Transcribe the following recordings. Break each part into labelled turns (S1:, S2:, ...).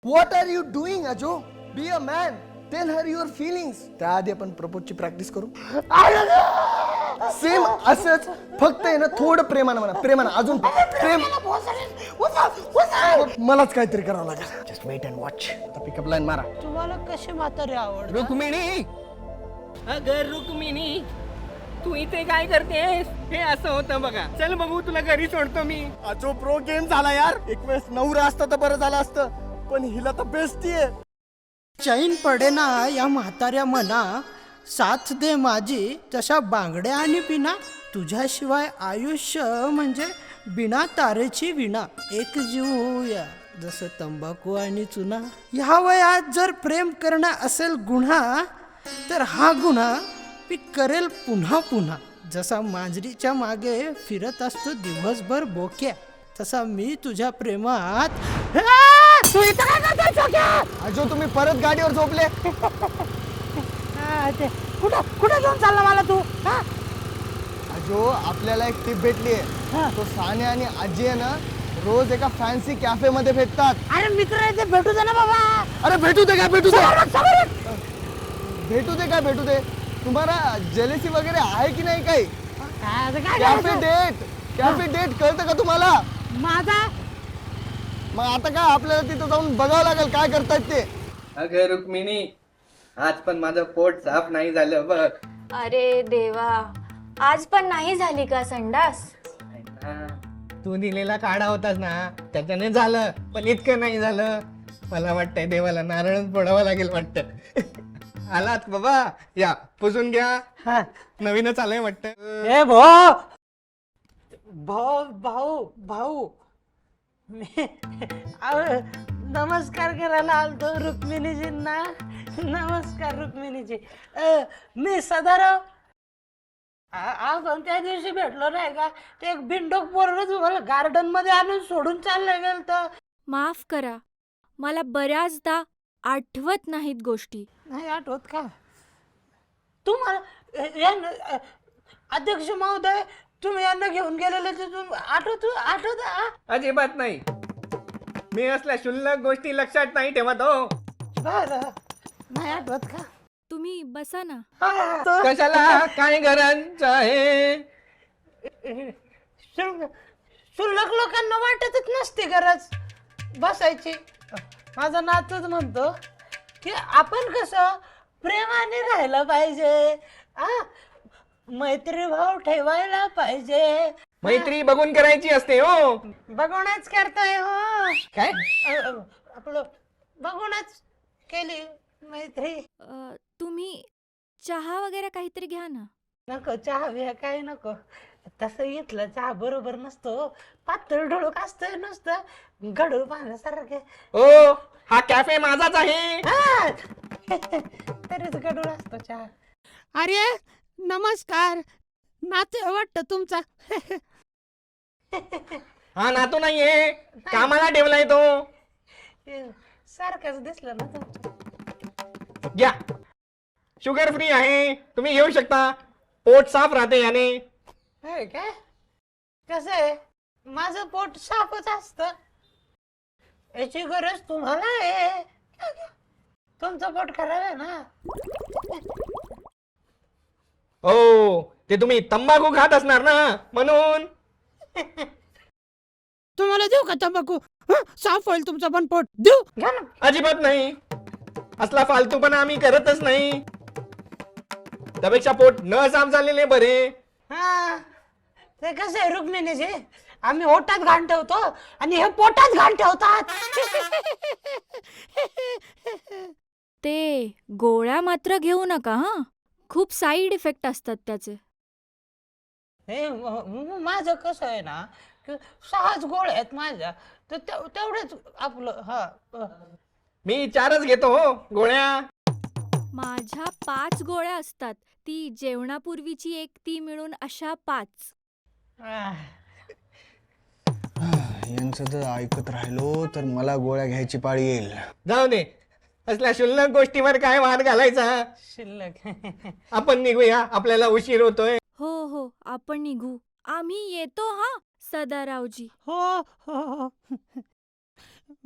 S1: What R you doing अजो? Be a man, tell her your feelings. त्याआधी आपण प्रपोजची practice करू. सेम असंच, फक्त आहे ना थोडं प्रेमानं म्हणा, प्रेमानं अजून प्रेम. मलाच काहीतरी करावं लागेल. Just wait and watch. आता पिकअप लाईन मारा.
S2: तुम्हाला कशी म्हातारी आवड?
S3: रुक्मिणी, अगं रुक्मिणी, तू इथे काय करतेस? हे असं होतं बघा. चल बघू, तुला घरी सोडतो मी.
S1: अजो प्रो गेम झाला यार. एक वेळेस नवरा असतं तर बरं झालं असतं, पण हिला तर बेस्टी आहे.
S2: चैन पडेना या म्हाताऱ्या मना, साथ दे माझी तशा बांगड्या आणि पिना. तुझ्याशिवाय आयुष्य म्हणजे बिना तारेची विणा. एक जीवूया जसं तंबाखू आणि चुना. ह्या वयात जर प्रेम करणं असेल गुन्हा, तर हा गुन्हा मी करेल पुन्हा पुन्हा. जसा मांजरीच्या मागे फिरत असतो दिवसभर बोक्या, तसा मी तुझ्या प्रेमात. तू इथं काय करतोय छोक्या?
S1: अजो तुम्ही परत गाडीवर झोपले.
S2: कुठं कुठं घेऊन चालला मला तू?
S1: अजो आपल्याला एक टिप भेटली आहे. तो साने आणि आजी आहे ना, रोज एका फॅन्सी कॅफे मध्ये भेटतात.
S2: अरे मित्र आहे ते, भेटू दे ना बाबा.
S1: अरे भेटू दे काय भेटू दे. भेटू दे. तुम्हाला जेलेसी वगैरे आहे की नाही काही? कॅफे डेट कळतं का तुम्हाला?
S2: माझा
S1: मग आता काय आपल्याला तिथं जाऊन बघावं लागेल काय करतायत ते.
S3: अगं रुक्मिणी, आज पण माझं पोट साफ नाही झालं बघ.
S4: अरे देवा, आज पण नाही झाली का संडास?
S3: तू दिलेला काढा होतास ना, त्याच्याने झालं, पण इतकं नाही झालं. मला वाटतंय देवाला नारळच फोडावं लागेल वाटतं. आलात बाबा, या पुसून घ्या. नवीनच आलंय वाटतं.
S2: ए भाऊ भाऊ भाऊ, नमस्कार करायला आलतो रुक्मिणीजींना. नमस्कार रुक्मिणीजी. मी सदाराव. आपण त्या दिवशी भेटलो नाही का? ते एक बिंडोक पोरग तुम्हाला गार्डन मध्ये आणून सोडून चाललं गेलं तर.
S4: माफ करा, मला बऱ्याचदा आठवत नाहीत गोष्टी.
S2: नाही आठवत का तुम्हाला? अध्यक्ष महोदय, तुम्ही यांना घेऊन गेलेले आठवत?
S3: अजिबात नाही. मी असल्या क्षुल्लक गोष्टी लक्षात नाही ठेवत हो.
S2: बरं, नाही आठवत का?
S4: तुम्ही बसा ना.
S3: कशाला काय गरज आहे?
S2: शुल्लक लोकांना वाटतच नसते गरज बसायची. माझा नातूच म्हणतो की आपण कसं प्रेमाने राहायला पाहिजे, मैत्री भाव ठेवायला पाहिजे.
S3: मैत्री बघून करायची असते हो.
S2: बघूनच करतोय हो.
S3: काय?
S2: आपलं बघूनच केली मैत्री.
S4: तुम्ही चहा वगैरे काहीतरी घ्या ना.
S2: नको चहा बिहा काय नको. तसं इथलं चहा बरोबर नसतो, पातळ ढोळक असतोय नुसतं गडूळ पाण्यासारखे.
S3: ओ, हा कॅफे माझाच आहे.
S2: तरीच गडूळ असतो चहा. अरे नमस्कार, नाते वाटत तुमचा.
S3: हा नातू नाहीये, कामाला ठेवलाय तो.
S2: सारखंच दिसलं ना तुमचं.
S3: घ्या, शुगर फ्री आहे, तुम्ही घेऊ शकता. पोट साफ राहते याने.
S2: होय काय? कसं आहे, माझं पोट साफच असतं. याची गरज तुम्हाला आहे. तुमचं पोट खराब आहे ना.
S3: हो, ते तुम्ही तंबाखू खात असणार ना, म्हणून.
S2: तुम्हाला देऊ का तंबाखू? साफ होईल तुमचं पण पोट. देऊ घ्या ना.
S3: अजिबात नाही. असला फालतूपणा आम्ही करतच नाही. त्यापेक्षा पोट न साफ झालेले बरे.
S2: ते कसं आहे रुक्मिणीजी, आम्ही ओटात घाण ठेवतो आणि हे पोटात घाण ठेवतात.
S4: ते गोळ्या मात्र घेऊ नका हा, खूप साईड इफेक्ट असतात त्याचे.
S2: हे माझं कसं आहे ना, की 6 गोळ्या आहेत माझ्या, तर तेवढेच आपलं.
S3: मी 4च घेतो हो गोळ्या.
S4: माझ्या 5 गोळ्या असतात, ती जेवणापूर्वीची एक, ती मिळून अशा 5.
S1: यांचं जर ऐकत राहिलो तर मला गोळ्या घ्यायची पाळी येईल.
S3: जाऊ दे, असल्या क्षुल्लक गोष्टीवर काय वाद घालायचा.
S2: शिल्लक.
S3: आपण निघूया, आपल्याला उशीर होतोय.
S4: हो, आपण निघू. आम्ही येतो हा सदारावजी.
S2: हो.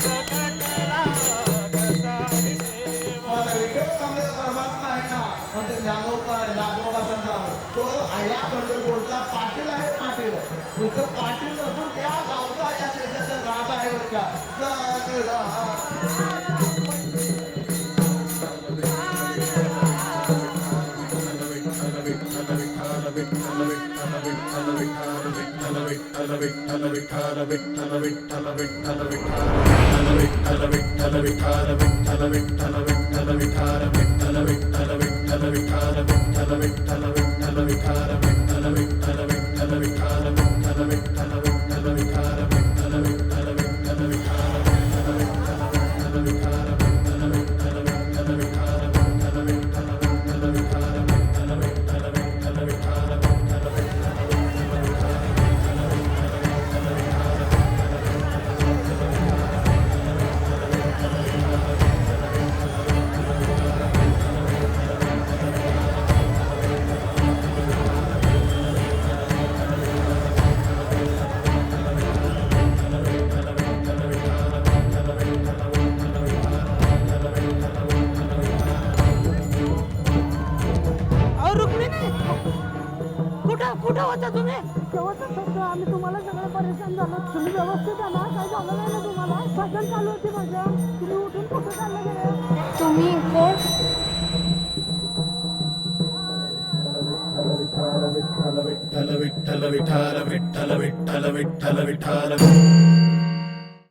S2: अहो रुक्मिणी, कुठं होता तुम्ही?
S5: शेवटच फक्त आम्ही तुम्हाला सगळं परेशान झालो. तुम्ही व्यवस्थित आला, काय झालं नाही ना तुम्हाला? भजन चालू होती भजन, तुम्ही उठून कुठं चाललं गेले?
S4: तुम्ही कोण?
S6: विठ्ठल विठ्ठल विठ्ठल विठ्ठल विठ्ठल विठ्ठल विठ्ठल विठ्ठल